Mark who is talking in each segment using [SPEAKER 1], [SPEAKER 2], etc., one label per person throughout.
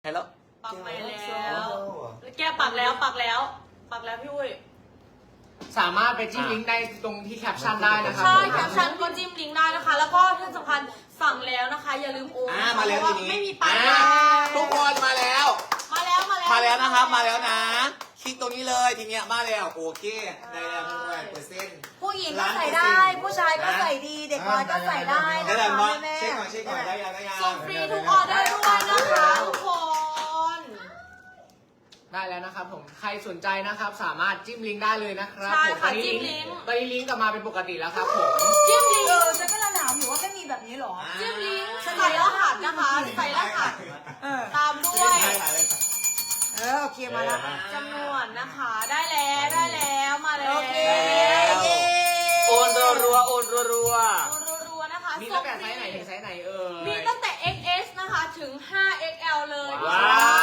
[SPEAKER 1] ฮัลโหล
[SPEAKER 2] ปักไปแล้วแกปักแล้วพี่อุ้ย
[SPEAKER 3] สามารถไปจิ้มลิงก์ได้ตรงที่แคปชั่นได้นะครับ
[SPEAKER 2] ใช่แคปชั่นก็จิ้มลิงก์ได้นะคะ แล้วก็ที่สำคัญสั่งแล้วนะคะ อย่าลืมโอนนะคะ
[SPEAKER 1] มาแล้ว
[SPEAKER 2] เพราะ
[SPEAKER 1] ที
[SPEAKER 2] ว่า
[SPEAKER 1] นี้
[SPEAKER 2] ไม่มีปัญ
[SPEAKER 1] ทุกคนมาแล้ว
[SPEAKER 2] มาแล้ว
[SPEAKER 1] นะครับมาแล้วนะคลิกตรงนี้เลยทีเนี้ยมาแล้วโอเคได้แล้วด้วย%
[SPEAKER 4] ผู้หญิงก็ใส่ได้ ผู้ชายก็ใส่ดี เด็กน้อยก็ใส่ได้
[SPEAKER 1] ได้
[SPEAKER 4] นะ
[SPEAKER 1] แล้ว
[SPEAKER 4] คะ
[SPEAKER 1] มา
[SPEAKER 4] แม่
[SPEAKER 1] เช็คก่อนได้ยัง
[SPEAKER 2] ส่งฟรีทุกออเดอร์ด้วยนะคะทุกคน
[SPEAKER 3] ได้แล้วนะครับผมใครสนใจนะครับสามารถจิ้มลิงก์ได้เลยนะครับ
[SPEAKER 2] ใช่
[SPEAKER 3] ผม
[SPEAKER 2] ค่ะ
[SPEAKER 3] ตอนนี้
[SPEAKER 2] จิ้มลิงก์
[SPEAKER 3] ตอนนี้ลิงก์กลับมาเป็นปกติแล้วครับผม
[SPEAKER 2] จิ้มลิงก์
[SPEAKER 4] ฉันก็ถามอยู่ว่าไม่มีแบบนี้หรอ
[SPEAKER 2] จิ้มลิงก์ใส่รหัสนะคะ ใส่รหัสตามด้วย
[SPEAKER 4] โอเคมาแล้ว
[SPEAKER 2] จำนวนนะคะได้แล้วมาแล้ว
[SPEAKER 4] โอเค
[SPEAKER 1] โอนรัวๆโอนรัว
[SPEAKER 2] รัวๆนะคะ
[SPEAKER 3] มีตั้งแต่ไซส์ไหนถึงไซส์ไหน
[SPEAKER 2] มีตั้งแต่ XS นะคะถึง 5XL เลย
[SPEAKER 1] ว้าว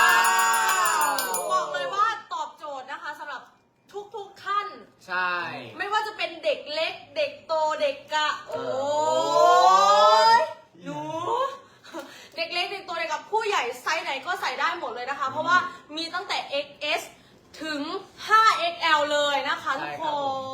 [SPEAKER 2] บอกเลยว่าตอบโจทย์นะคะสำหรับทุกท่าน
[SPEAKER 3] ใช่
[SPEAKER 2] ไม่ว่าจะเป็นเด็กเล็ก เด็กโตเด็กกะโอ้ยหนูเด็กเล็กเด็กโตเด็กกับผู้ใหญ่ไซส์ไหนก็ใส่ได้หมดเลยนะคะ เพราะว่ามีตั้งแต่ XS ถึง 5XL เลยนะคะทุกคน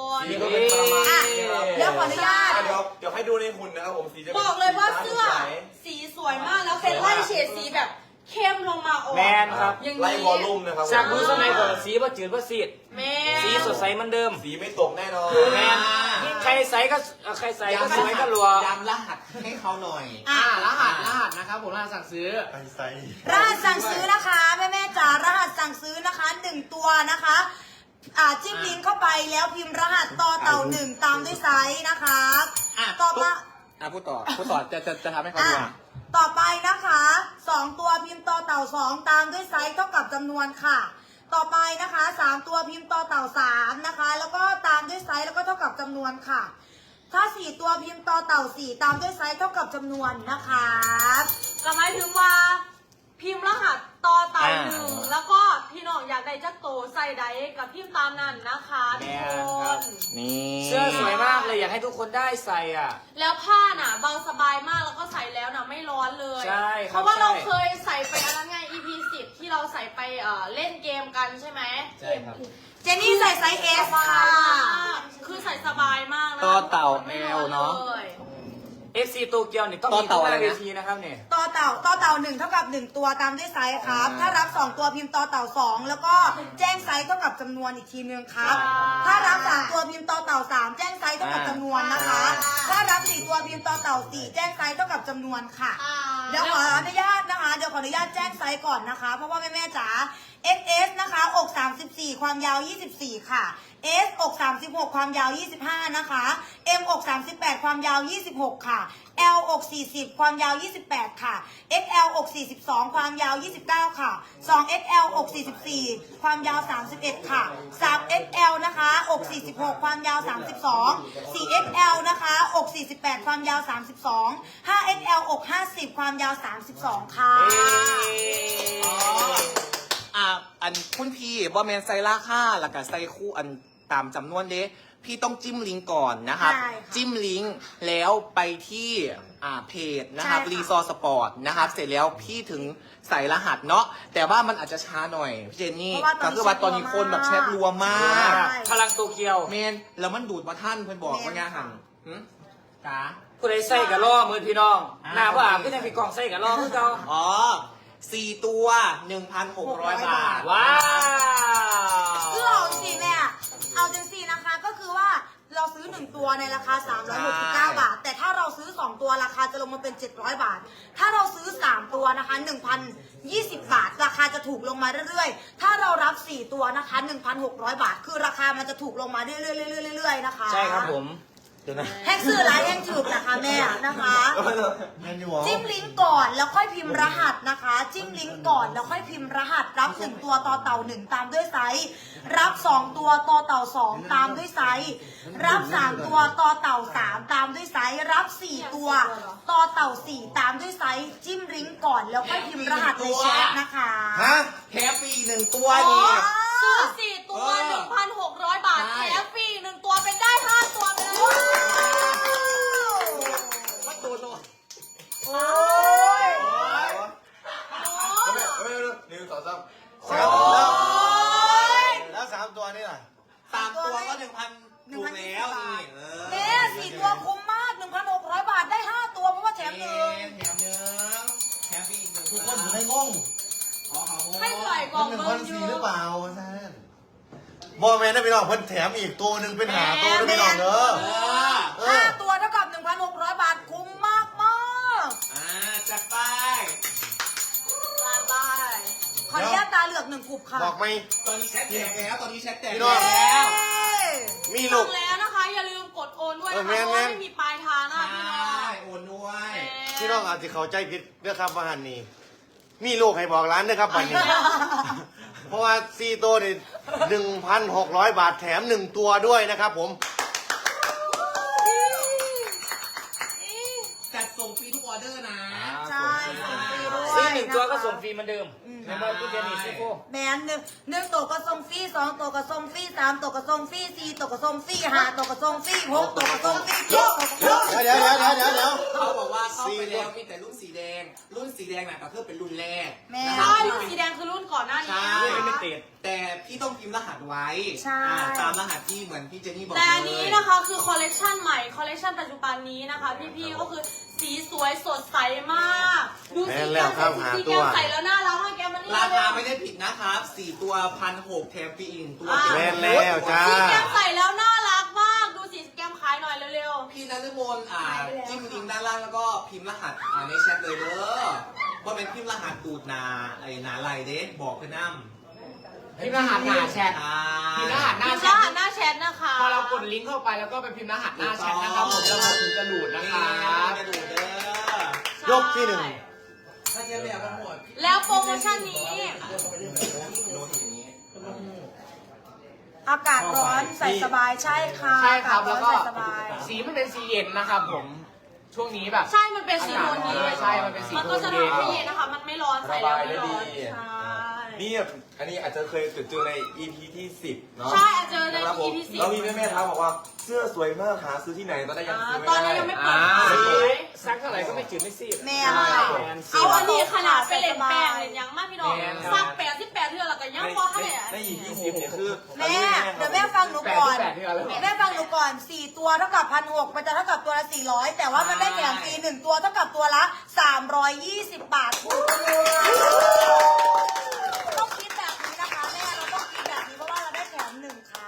[SPEAKER 1] นี่ก็เป็นประมาณนี้ครับ
[SPEAKER 4] เดี๋ยวขออนุญาต
[SPEAKER 1] เดี๋ยวให้ดูในหุ่นนะครับผมสีจะ
[SPEAKER 2] บอกเลยว่าเสื้อสีสวยมากแล้วเป็นไล่เฉดสีแบบเข้มลงมาออก
[SPEAKER 5] แมนครับ
[SPEAKER 2] อย่าง
[SPEAKER 1] ไล่
[SPEAKER 2] นี้
[SPEAKER 1] วอลลุ่มนะครับ
[SPEAKER 5] จากมือสมัยก่อนสีว่าจืดว่าซีด
[SPEAKER 2] แม่
[SPEAKER 5] สีสดใสเหมือนเดิม
[SPEAKER 1] สีไม่ตกแน่นอน
[SPEAKER 5] แมนใครใส่ก็สวยก็รัว
[SPEAKER 1] ย้ำรหัสให้เขาหน่อย
[SPEAKER 3] รหัสนะครับผมรหัสสั่งซื้อ
[SPEAKER 4] รหัสสั่งซื้อนะคะแม่จ๋ารหัสสั่งซื้อนะคะ1ตัวนะคะจิ้มลิงก์เข้าไปแล้วพิมพ์รหัสต่อเต่า1ตามด้วยไซส์นะคะต่อมา
[SPEAKER 1] พูดต่อจะทำให้เขาดู
[SPEAKER 4] ต่อไปนะคะ2ตัวพิมพ์ต่อเต่า2ตามด้วยไซส์เท่ากับจำนวนค่ะ ต่อไปนะคะ3ตัวพิมพ์ต่อเต่า3นะคะแล้วก็ตามด้วยไซส์แล้วก็เท่ากับจำนวนค่ะ ถ้า4ตัวพิมพ์ต่อเต่า4ตามด้วยไซส์เท่ากับจำนวนนะคะ
[SPEAKER 2] ก็หมายถึงว่าพิมพ์รหัสต่อเต่าหนึ่งแล้วก็พี่น้องอยากได้จักโตใส่ใดกับพิมพ์ตามนั้นนะคะทุกคน
[SPEAKER 1] นี่
[SPEAKER 5] เสื้อสวยมากเลยอยากให้ทุกคนได้ใส่อ่ะ
[SPEAKER 2] แล้วผ้าน่ะเบาสบายมากแล้วก็ใส่แล้วน่ะไม่ร้อนเลย
[SPEAKER 5] ใช่ครับ
[SPEAKER 2] เพราะว่าเรา
[SPEAKER 5] ใช่
[SPEAKER 2] เคยใส่ไปอันนั้นไง EP 10ที่เราใส่ไปเล่นเกมกันใช่ไหม
[SPEAKER 5] ใช่ครับ
[SPEAKER 4] เจนนี่ใส่ไซส์ S ค่ะ
[SPEAKER 2] คือใส่สบายมากนะ
[SPEAKER 1] ต่อเต่า
[SPEAKER 2] ไม่ร้อน
[SPEAKER 1] L เนอะ
[SPEAKER 2] เลย
[SPEAKER 5] FC โตเกียวนี่ต้อง
[SPEAKER 1] ต่อ
[SPEAKER 5] มี
[SPEAKER 1] เต่า
[SPEAKER 5] ทุกห
[SPEAKER 1] อะไร
[SPEAKER 5] น้า
[SPEAKER 1] นะ
[SPEAKER 5] เวทีนะครับเนี่ย
[SPEAKER 4] ต่อเต่า1เท่ากับ1ตัวตามด้วยไซส์ครับถ้ารับ2ตัวพิมพ์ต่อเต่า2แล้วก็แจ้งไซส์เท่ากับจำนวนอีกทีนึงครับถ้ารับ3ตัวพิมพ์ต่อเต่า3แจ้งไซส์เท่ากับจำนวนนะคะถ้ารับ4ตัวพิมพ์ต่อเต่า4แจ้งไซส์เท่ากับจำนวนค่ะ เดี๋ยวขออนุญาตนะคะ เดี๋ยวขออนุญาตแจ้งไซส์ก่อนนะคะ เพราะว่าแม่จ๋า XS นะคะอก34ความยาว24ค่ะ S อก36ความยาว25นะคะ M อก38ความยาว26ค่ะ L อก40ความยาว28ค่ะ XL อก42ความยาว29ค่ะ 2XL อก44ความยาว31ค่ะ 3XL นะคะอก46ความยาว32 4XL นะคะอก48ความยาว32 5XL อก50ความยาว32ค่ะ
[SPEAKER 1] อันคุณพี่บอแมนไซราค่าแล้วก็ไซคู่อันตามจำนวนเด้พี่ต้องจิ้มลิงก์ก่อนนะครับ
[SPEAKER 4] ใช่ค่ะ
[SPEAKER 1] จิ้มลิงก์แล้วไปที่เพจนะครับ
[SPEAKER 4] ใช่ค่ะ
[SPEAKER 1] รีซอร์สปอร์ตนะครับเสร็จแล้วพี่ถึงใส่รหัสเนาะแต่ว่ามันอาจจะช้าหน่อยพี่เจนนี่ก็คือว่าตอนนี้คนแบบแชทรัวมาก
[SPEAKER 5] พลังโตเกียว
[SPEAKER 1] เมนแล้วมันดูดมาท่านเพื่อนบอกว่าไงหันจ้า
[SPEAKER 5] ผู้ใดใส่กับล่อมือพี่น้อง หน้าว่าก็ยังมีกล่องใส่กับล่อคือเก่า
[SPEAKER 1] อ๋อ4ตัว 1,600 บาท
[SPEAKER 5] ว้าว
[SPEAKER 4] คือเอาจริงๆเนี่ยเอาจริงๆนะคะ ก็คือว่าเราซื้อ1ตัวในราคา369บาท แต่ถ้าเราซื้อ2ตัวราคาจะลงมาเป็น700บาท ถ้าเราซื้อ3ตัวนะคะ1,020บาทราคาจะถูกลงมาเรื่อยๆถ้าเรารับ4ตัวนะคะ1,600บาทคือราคามันจะถูกลงมาเรื่อยๆนะคะ
[SPEAKER 5] ใช่ครับผม
[SPEAKER 4] แท็กซื้อร้านแท็กถูกนะคะแม่นะคะจิ้มลิงก์ก่อนแล้วค่อยพิมพ์รหัสนะคะ จิ้มลิงก์ก่อนแล้วค่อยพิมพ์รหัสรับ1ตัวต่อเต่า1ตามด้วยไซส์รับ2ตัวต่อเต่า2ตามด้วยไซส์รับ3ตัวต่อเต่า3ตามด้วยไซส์รับ4ตัวต่อเต่า4ตามด้วยไซส์จิ้มลิงก์ก่อนแล้วค่อยพิมพ์รหัสในแชทนะคะ
[SPEAKER 1] ฮะแถมฟรี1ตัวนี่
[SPEAKER 2] ซื้อ4ตัว 1,600 บาทแถมฟรี1ตัวเป็นได้5ตัวไปเลย
[SPEAKER 1] มาตัวโล
[SPEAKER 4] โอ้ย
[SPEAKER 2] โอ้
[SPEAKER 6] 1 2 3
[SPEAKER 4] โอ้ย
[SPEAKER 6] แล้ว3ตัวนี่ล่ะ
[SPEAKER 1] 3 ตัวก็ 1,000ถูกแล้วนี่
[SPEAKER 4] แม่4 ตัวคุ้มมาก 1,600 บาทได้ 5 ตัวเพราะว่าแถมหนึ่ง
[SPEAKER 1] แถมหนึ่งแถมอีก1
[SPEAKER 6] ทุกคนอยู่ในงง
[SPEAKER 1] อ๋อเขา
[SPEAKER 2] ให้ปล่อยกล่อง
[SPEAKER 6] มัน
[SPEAKER 2] เบิร์
[SPEAKER 6] 1,400
[SPEAKER 2] ยู
[SPEAKER 6] หรือเปล่าท่านบอแมนนะพี่น้องเพิ่นแถมอีกตัวหนึ่งเป็นหาตัวนะพี่น้องเด้อ
[SPEAKER 4] 5 ตัวเท่ากับ 1,600 บาทคุ้มมากมาก
[SPEAKER 1] จัดไป
[SPEAKER 2] บาย
[SPEAKER 4] ขออนุญาตตาเหลือก1 กลุ่มค่ะ
[SPEAKER 6] บอกไหม
[SPEAKER 1] ตอนนี้แชทแตกแล้วตอนนี้แชทแตก
[SPEAKER 6] พี่น้อง
[SPEAKER 1] แล้ว
[SPEAKER 6] มี
[SPEAKER 2] จ
[SPEAKER 6] ลู
[SPEAKER 2] บ
[SPEAKER 6] ก
[SPEAKER 2] แล้วนะคะ อย่าลืมกดโอนด้วยนะคะ
[SPEAKER 6] แม่
[SPEAKER 2] เพ
[SPEAKER 6] น
[SPEAKER 2] ราะว่าไม่มีปลายทางนะคะ
[SPEAKER 1] ใช่
[SPEAKER 2] พี่น้อง
[SPEAKER 1] โอนด้วย
[SPEAKER 6] พี่น้องอาจจะเข้าใจผิดเรื่องคำว่าหันนี่มีลูกให้บอกร้านนะครับวันนี้ เพราะว่า4ตัวนี่1,600 บาทแถม1ตัวด้วยนะครับผม
[SPEAKER 1] จัดส่งฟรีทุกออเดอร์นะ
[SPEAKER 4] ใช่ส่งฟรีด้วย
[SPEAKER 5] ซื้อ1 ตัวก็ส่งฟรี
[SPEAKER 4] นะคะ
[SPEAKER 5] เหมือนเดิมในเมื่อกูเรียนอีกซิโก้
[SPEAKER 4] แมน1 ตัวก็ส่งฟรี2 ตัวก็ส่งฟรี3 ตัวก็ส่งฟรี4 ตัวก็ส่งฟรี5 ตัวก็ส่งฟรี6 ตัวก็ส่งฟรี7 ตัวก็ส่งฟรี
[SPEAKER 6] เดี๋ยว
[SPEAKER 1] เขาบอกว่าเข้าไปแล้วมีแต่รุ่นสีแดง รุ่นสีแดงน่ะก็คือเป็นรุ่นแรก
[SPEAKER 4] แม่
[SPEAKER 1] นะค
[SPEAKER 2] ใช่
[SPEAKER 1] รับ
[SPEAKER 2] รุ่นสีแดงคือรุ่นก่อนหน้านี้
[SPEAKER 1] ใช่
[SPEAKER 2] นะ
[SPEAKER 5] ไม่
[SPEAKER 2] คะ
[SPEAKER 5] ติด
[SPEAKER 1] แต่พี่ต้องพิมพ์รหัสไว้
[SPEAKER 4] ใช่
[SPEAKER 1] ตามรหัสที่เหมือนพี่เจนนี่บอก
[SPEAKER 2] แต่อัน
[SPEAKER 1] เล
[SPEAKER 2] นี้
[SPEAKER 1] ย
[SPEAKER 2] นะคะคือคอลเลกชันใหม่ คอลเลกชันปัจจุบันนี้นะคะ พี่ๆก็คือสีสวยสดใสมาก ดูสีแก้มใส่สีแก้มใส่แล้วน่ารักมากแก้มมันนี่
[SPEAKER 1] ราคาไม่ได้ผิดนะครับ4 ตัว1,600แถมฟรีอีก1ตัว
[SPEAKER 6] แม่นแล้วจ้า
[SPEAKER 2] สีแก้มใส่แล้วน่ารักมาก ดูสีแก้มขายหน่อยเร็ว
[SPEAKER 1] พี่นฤมลจิ้มลิงก์ด้านล่างแล้วก็พิมพ์รหัสในแชทเลยเด้อว่าเป็นพิมพ์รหัสตูดนาไอ้นาไรเด้บอกเพื่อนน้ำ
[SPEAKER 3] พิมพ์รหัสหน้าแชทพิมพ์รหัส
[SPEAKER 2] ๆ
[SPEAKER 3] หน้า
[SPEAKER 2] พิมพ์
[SPEAKER 3] แช
[SPEAKER 2] ร
[SPEAKER 3] ท
[SPEAKER 2] หัสหน้าแชทนะคะ
[SPEAKER 3] พอเรากดลิงก์เข้าไปแล้วก็ไปพิมพ์รหัสหน้าแชทนะครับผมแล้วมันถึงจะหลุดนะครับ
[SPEAKER 1] กระดูดเด้อย
[SPEAKER 6] กที่ 1
[SPEAKER 1] ถ้าเทียบแบบกันหมด
[SPEAKER 2] แล้วโปรโมชั่นนี้
[SPEAKER 1] โน้ตอย่างนี้
[SPEAKER 4] อากาศร้อนใส่สบายใช่ค่ะ
[SPEAKER 3] ใช่ครับ
[SPEAKER 4] อา
[SPEAKER 3] แล้ว
[SPEAKER 4] กาศ
[SPEAKER 3] ก็
[SPEAKER 4] ร้อนใส่สบาย
[SPEAKER 3] สีมันเป็นสีเย็นนะครับผมช่วงนี้แบบ
[SPEAKER 2] ใช่ มันเป็นสีโทนเย็น
[SPEAKER 3] ใช่ มันเป็นสี
[SPEAKER 2] มัน
[SPEAKER 3] โท
[SPEAKER 2] ก็
[SPEAKER 3] น
[SPEAKER 2] จะ
[SPEAKER 3] เย็น
[SPEAKER 2] ทำให้เย็นนะคะ มันไม่ร้อนใส่แล้วไม่ร้อน
[SPEAKER 7] ระบายได้ดี
[SPEAKER 2] ใช่
[SPEAKER 7] นี่อันนี้อาจจะเคยเจอใน EP ที่ 10 เนาะ
[SPEAKER 2] ใช่อาจจะใน
[SPEAKER 7] นะครับผม
[SPEAKER 2] EP 10
[SPEAKER 7] แล้วมีแม่ๆทักบอกว่าเสื้อสวยมากหาซื้อที่ไหนตอนนี้ยังซื้อไม่
[SPEAKER 2] ตอน
[SPEAKER 7] ได้
[SPEAKER 2] นี้ยังไม่เปิด
[SPEAKER 3] อ่า
[SPEAKER 2] ขาย
[SPEAKER 5] ซักเท่าไหร่ก็ไม่จืดไม่ซีด
[SPEAKER 4] แม่
[SPEAKER 2] เอาอันนี้ขนาดไปเล่นแป้งเล่นยังมากพี่น้อง
[SPEAKER 3] แม่น
[SPEAKER 2] ซัก88เทื่อแล้วก็ยังพอให้เนี่ย
[SPEAKER 7] ใน EP 10เนี่ยคือ
[SPEAKER 4] แม่เดี๋ยวแม่ฟังหนูก่อน
[SPEAKER 3] 8 เดือนแล้ว
[SPEAKER 4] แม่ฟังหนูก่อน 4 ตัวเท่ากับ1,600มันจะเท่ากับตัวละ400 แต่ว่ามันได้แถมฟรี1 ตัวเท่ากับตัวละ320 บาทถูกต้องคิดแบบนี้นะคะแม่เราต้องคิดแบบนี้เพราะว่าเราได้แถม1ครับ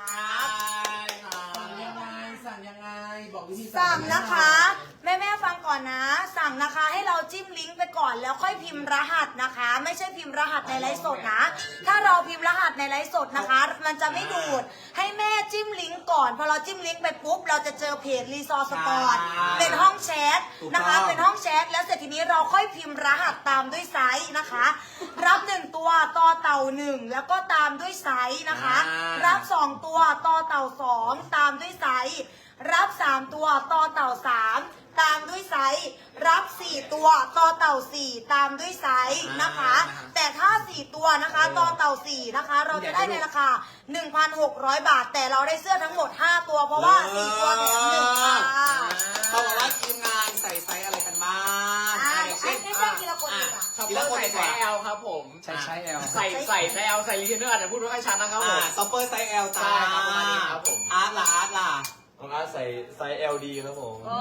[SPEAKER 1] สั่งยังไงบอกวิธี
[SPEAKER 4] สั่งนะคะ แม่ฟังก่อนนะ สั่งนะคะให้เราจิ้มลิงก์ไปก่อนแล้วค่อยพิมพ์รหัสนะคะ ไม่ใช่พิมพ์รหัสในไลฟ์สดนะ ถ้าเราพิมพ์รหัสในไลฟ์สดนะคะ มันจะไม่ดูดให้แม่จิ้มลิงก์ก่อนพอเราจิ้มลิงก์ไปปุ๊บเราจะเจอเพจรีซอร์สปอร์ตเป็นห้องแชทนะคะ เป็นห้องแชทแล้วเสร็จทีนี้เราค่อยพิมพ์รหัสตามด้วยไซส์นะคะ รับ1ตัวต่อเต่า1แล้วก็ตามด้วยไซส์นะคะ รับ2ตัวต่อเต่า2ตามด้วยไซส์รับ3ตัวต่อเต่า3ตามด้วยไซส์รับ4ตัวต่อเต่า4ตามด้วยไซส์นะคะ แต่ถ้า4ตัวนะคะต่อเต่า4นะคะ เราจะได้ในราคา 1,600 บาท แต่เราได้เสื้อทั้งหมด5ตัวเพราะว่า4ตัวแถม1ค่ะ
[SPEAKER 1] เขาบอกว่าทีมงานใส่ไซส์อะไรกันบ้าง
[SPEAKER 4] ให้แจ้งทีละคนดีกว่า
[SPEAKER 3] ช็อปเปอร์ใส่ไซส์ L ครับผม
[SPEAKER 5] ใช่ L
[SPEAKER 3] ใส่ไซส์ L ใส่รีเทนเนอร์อาจจะพูดไม่ค่อยชัดนะครับผม
[SPEAKER 1] ซัปเปอร์ไซส์ L จ้า
[SPEAKER 3] ใช่ครับประมาณนี้ครับผม
[SPEAKER 1] อาร์ตล่ะ
[SPEAKER 7] ของอาร์ตใส่ไซส์ LD ครับผม
[SPEAKER 4] โอ้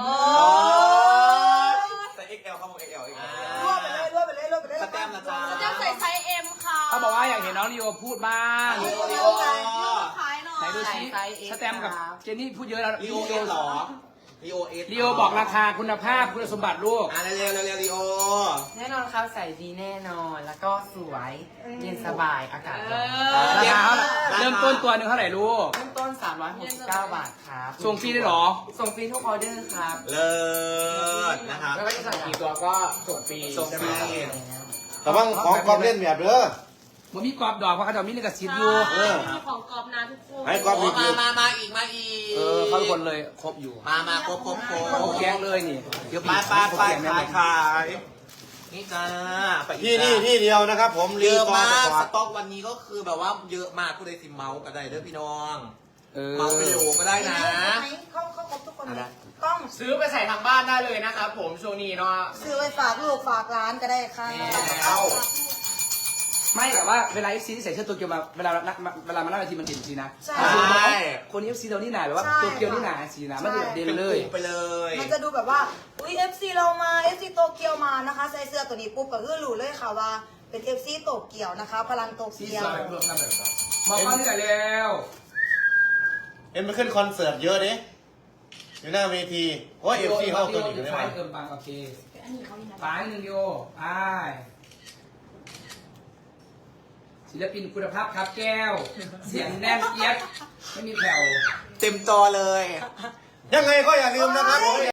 [SPEAKER 7] ใส่ XL ครับผม XL
[SPEAKER 4] รวบไปเลยรวบไปเลยรวบไปเลย
[SPEAKER 1] สแตมป์ละจ้า
[SPEAKER 2] จะใส่ไซส์ M ค่ะ
[SPEAKER 3] เขาบอกว่าอยากเห็นน้องลีโอพูดบ้าง
[SPEAKER 1] ลีโอ
[SPEAKER 2] ขายหน่อย
[SPEAKER 3] ไหนดูซิสแตมป์กับเจนนี่พูดเยอะแล้ว
[SPEAKER 1] ลีโอเอสหรอลีโอเอส
[SPEAKER 3] ลีโอบอกราคาคุณภาพคุณสมบัติลูก
[SPEAKER 1] เร็วลีโอ
[SPEAKER 8] แน่นอนครับใส่ดีแน่นอนแล้วก็สวยเย็นสบายอากาศร้อน
[SPEAKER 3] ราคาเท่าไหร่เริ่มต้นตัวหนึ่งเท่าไหร่ลูก
[SPEAKER 8] เริ่มต้น 369 บาทครับ
[SPEAKER 3] ส่งฟรีได้เหรอ
[SPEAKER 8] ส่งฟรีทุกออเดอร์ครับ
[SPEAKER 1] เลิศนะครับ
[SPEAKER 3] ไม่ว่าจะสั่งกี่ตัวก็ส่งฟรี
[SPEAKER 1] ส่งฟรี
[SPEAKER 6] แต่ว่าของกอบเล่นแบบเด้อ
[SPEAKER 3] มันมีกรอบดอกเพราะเขาจะมีลิขสิทธิ์อยู่
[SPEAKER 2] มีของกรอบนะทุกคน
[SPEAKER 6] ให้กรอบมี
[SPEAKER 1] มาอีก
[SPEAKER 3] เขาทุกคนเลยครบอยู่
[SPEAKER 1] มาครบ
[SPEAKER 3] ครบแก๊งเลยนี่เดี๋ยว
[SPEAKER 1] ไป
[SPEAKER 3] ครบแก๊งแน่นอน
[SPEAKER 1] ขายนี่จ้าไปอีก
[SPEAKER 6] ที่นี่ที่เดียวนะครับผม
[SPEAKER 1] เยอะ
[SPEAKER 6] รี
[SPEAKER 1] มาก
[SPEAKER 6] ส
[SPEAKER 1] ส
[SPEAKER 6] ปอร์ต
[SPEAKER 1] ต็อกวันนี้ก็คือแบบว่าเยอะมากผู้ใดสิเมาส์ก็ได้เด้อพี่น้อง
[SPEAKER 3] เออ
[SPEAKER 1] เมาส์เป็นโหลก็ได้นะ
[SPEAKER 4] เขาครบทุกคนกล้อง
[SPEAKER 3] ซื้อไปใส่ทางบ้านได้เลยนะครับผมช่วงนี้เนาะ
[SPEAKER 4] ซื้อไปฝากลูกฝากร้านก็ได้ค่ะ
[SPEAKER 1] เอา
[SPEAKER 5] ไม่แต่ว่าเวลา FC ที่ใส่เสื้อโตเกียวมาเวลามาหน้าเวทีมันเห็นสีนะ
[SPEAKER 4] ใช่
[SPEAKER 5] คนนี้ FC เรานี่หนาแบบว่า
[SPEAKER 4] ใช่
[SPEAKER 5] โตเกียวนี่หนาสีนะมันจะแบบเด่น
[SPEAKER 1] เป็น
[SPEAKER 5] เล
[SPEAKER 1] ก
[SPEAKER 5] ย
[SPEAKER 1] ลุ่มไปเลย
[SPEAKER 4] มันจะดูแบบว่า อุ้ย FC เรามา FC โตเกียวมานะคะ ใส่เสื้อตัวนี้ปุ๊บก็คือรู้เลยค่ะว่าเป็น FC โตเกียวนะคะ พลังโต
[SPEAKER 5] สี
[SPEAKER 4] เกีย
[SPEAKER 5] ส
[SPEAKER 4] ว
[SPEAKER 5] วยเพิ่มน้ำแบบบอกว่านี่แหละแล้ว
[SPEAKER 6] เอ็มไปขึ้นคอนเสิร์ตเยอะดิอยู่หน้าเวทีโอ้ยเอฟซีเข้าตัวอีกเลย
[SPEAKER 5] ไฟ
[SPEAKER 6] ว่ะ
[SPEAKER 5] เติมปังโอเคฝายหนึ่งโยไปศิลปินคุณภาพครับแก้ว เสียงแน่นเอียดไม่มีแผ่ว
[SPEAKER 1] เต็มจอเลย
[SPEAKER 6] ยังไงก็อย่าลืมนะครับ